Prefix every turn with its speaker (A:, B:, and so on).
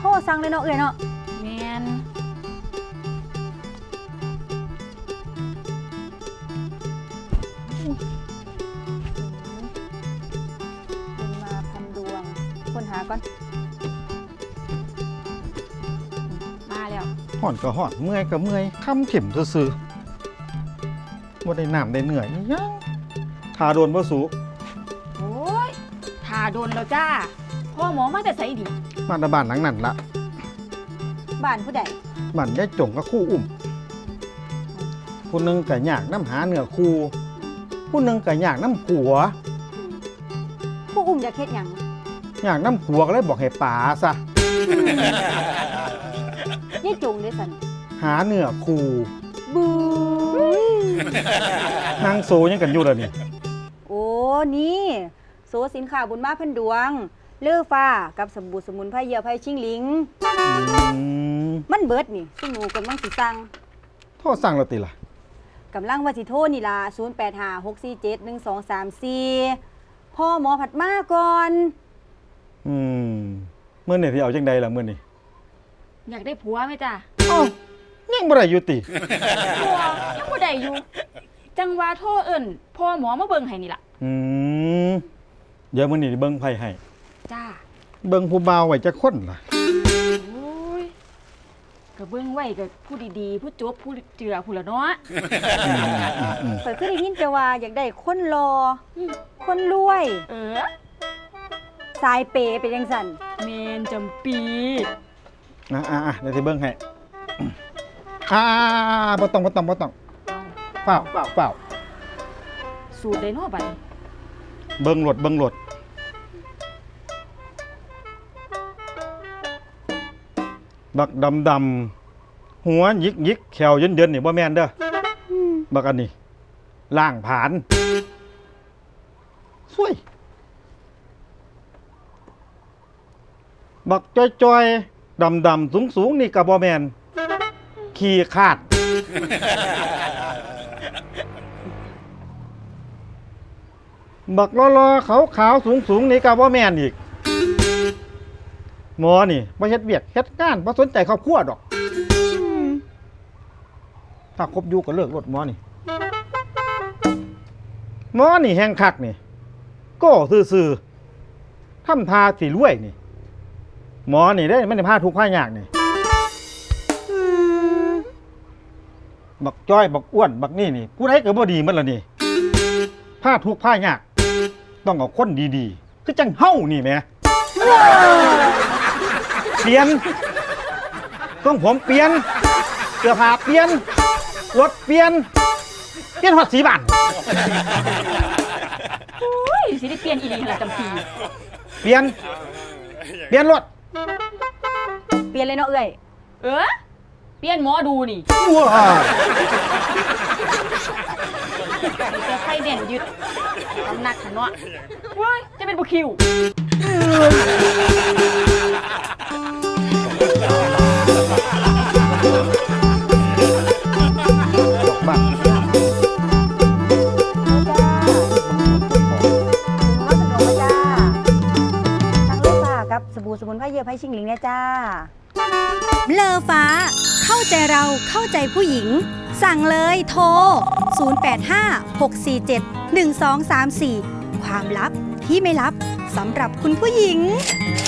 A: รสั่งเลยเนาะเอ้ยเนาะ
B: แมน
A: เป็นมาพันดวงคนหาก่อน
B: มาแล้ว
C: ห่อนก็ห่อนเมื่อยก็เมื่อยคำเข็มซื่อๆว่าได้น้ำได้เหนื่อยยังทาโดนบ่สู
B: โอ้ยทาโดนแล้วจ้าพ่อหมอมาแต่ใส่ดิ
C: มาตะบ้านหลังนั้นละ
A: บ้านผู้ใด
C: บ้านยายจงกับคู่อุ้มผู้หนึงก็อยากน้ำหาเนื้อคู่ผู้หนึงก็อยากน้ำผัว
A: ผู้อุ้มอยากเฮ็ดหยัง
C: อยากน้ำผัวก็เลยบอกให้ป๋าซะ
A: ยายจงเด้สัน
C: หาเนื้อคู่
A: บูย
C: นางโซยังกันอยู่เลยนี่
A: โอ้นี่โซสินค้าบุญมาพันดวงเลือฟ้ากับสบู่สมุนไพรเยื่อไผ่ชิงหลิง มันเบิดนี่ซึ่งหนูกำลังสิสั่ง
C: โทษสั่งเราติล่ะ
A: กำลังว่าสิโทรนี่ล่ะ0856471234พ่อหมอผัดมาก่อน
C: เมื่อนี่ที่เอาจังใดล่ะเมื่อนี่
B: อยากได้ผัวไหมจ้า
C: เอ้ายังบ่ได้อยู่ติ
B: ผัวยังบ่ได้อยู่ จังว่าโทรเอิ้นพ่อหมอมาเบิ่งให้นี่ล่ะ
C: เดี๋ยวมื่อนี่เบิ่งไผให้
B: จ้า
C: เบิ่งผู้บ่าวไว้จะคนล่ะ
B: โอ้ยก็เบิ่งไว้ก็ผู้ดีๆผู้จบผู้เจือผู้ละเนาะ
A: เปิดขึ้นได้ยินแต่ว่าอยากได้คนรอคนรวย
B: เออ
A: สายเปย์เป็นจังซั่น
B: เมนจำปี
C: เดี๋ยวสิเบิ่งให้บ่ต้องเปล่า
B: สูตรไดโนบัดนี้
C: เบิ่งโหลดบักดำหัวหยิกแขวเยินนี่บ่แม่นเด้อบักอันนี้ล่างผานสวยบักจ้อยๆดำสูงนี่ก็บ่แม่นขี้ขาดบักล้อๆขาวๆสูงนี่ก็บ่แม่นอีกหมอนี่บ่เฮ็ดเวียกเฮ็ดงานบ่สนใจครอบครัวดอกถ้าคบอยู่ก็เลิกรถหมอนี่แฮงคักนี่ก็ซื่อๆทำทาสิรวยนี่หมอนี่ได้ไม่ได้พาทุกข์พายากนี่บักจ้อยบักอ้วนบักนี่ผู้ใดก็บ่ดีหมดล่ะนี่พาทุกข์พายากต้องเอาคนดีๆคือจังเฮานี่แหมเปลี่ยนต้องผมเปลี่ยนเสื้อผ้าเปลี่ยนรถเปลี่ยนฮอดสีบ้าน
B: โอ้ยสิได้เปลี่ยนอีหลีหั่นล่ะจำปี
C: เปลี่ยนรถ
A: เปลี่ยนเลยเนาะเอ้ย
B: เออเปลี่ยนหมอดูนี่
C: ว้า
B: มีแต่ไข่เด่นยึดน้ำหนักหันเนาะเว้ยจะเป็นบุคิว
C: บ้าน
A: มาสะดวกมาจ้าทั้งเลือฟ้ากับสบู่สมุนไพรเยื่อไผ่ชิงหลิงเนี่ยจ้า
D: เลอฟ้าเข้าใจเราเข้าใจผู้หญิง สั่งเลยโทร 0856471234 ความลับที่ไม่ลับสำหรับคุณผู้หญิง